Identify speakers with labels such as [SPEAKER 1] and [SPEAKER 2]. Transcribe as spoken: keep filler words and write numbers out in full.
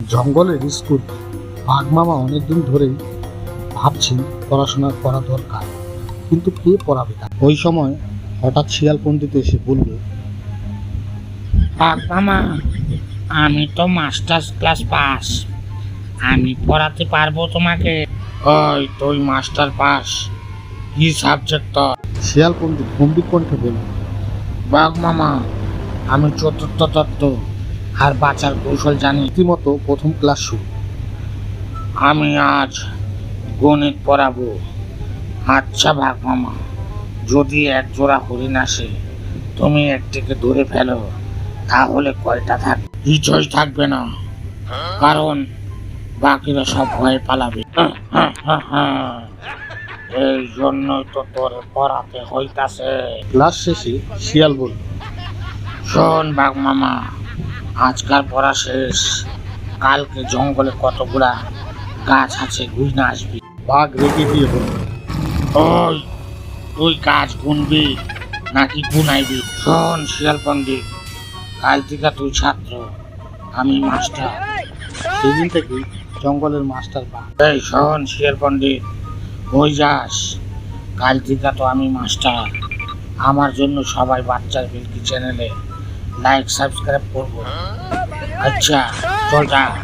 [SPEAKER 1] জঙ্গলের স্কুল। বাঘ মামা অনেকদিন ধরেই ভাবছেন পড়াশোনা করা দরকার, কিন্তু কে পড়াবে তাকে? ওই সময় হঠাৎ শিয়াল পণ্ডিত এসে বলল,
[SPEAKER 2] বাঘ মামা, আমি তো মাস্টার্স ক্লাস পাস, আমি পড়াতে পারবো তোমাকে। ওই তুই মাস্টার পাস, কি সাবজেক্ট তোর?
[SPEAKER 1] শিয়াল পণ্ডিত গম্ভীর কণ্ঠে বলল,
[SPEAKER 2] বাঘ মামা, আমি চতুর্থ তত্ত্ব আর বাঁচার কৌশল জানি।
[SPEAKER 1] রীতিমতো প্রথম ক্লাস শুরু।
[SPEAKER 2] আমি আজ গণিত পড়াবো। আচ্ছা বাঘ মামা, যদি এক জোড়া হরিণ আসে, তুমি একটিকে ধরে ফেলো, তাহলে কয়টা থাকবে? কিছুই থাকবে না, কারণ বাকিরা সব ভয়ে পালাবে। এই জন্যই তো তোরে পড়াতে হইতাছে।
[SPEAKER 1] ক্লাস শেষে শিয়াল বলল,
[SPEAKER 2] শোন বাঘ মামা, আজকাল পড়া শেষ, কালকে জঙ্গলে কতগুলা গাছ আছে, গুইনা আসবি।
[SPEAKER 1] বাঘ রেগে গিয়ে বলল,
[SPEAKER 2] ওই তুই গাছ গুনবি নাকি গুনাইবি? শোন শিয়াল পণ্ডিত, কাল থেকে তুই ছাত্র, আমি মাস্টার।
[SPEAKER 1] সেদিন থেকে জঙ্গলের মাস্টার বাঘ।
[SPEAKER 2] এই শোন শিয়াল পণ্ডিত, ওই যাস, কাল থেকে তো আমি মাস্টার। আমার জন্য সবাই বাচ্চার বিলকি চ্যানেলে লাইক সাবস্ক্রাইব করবো। আচ্ছা চল যা।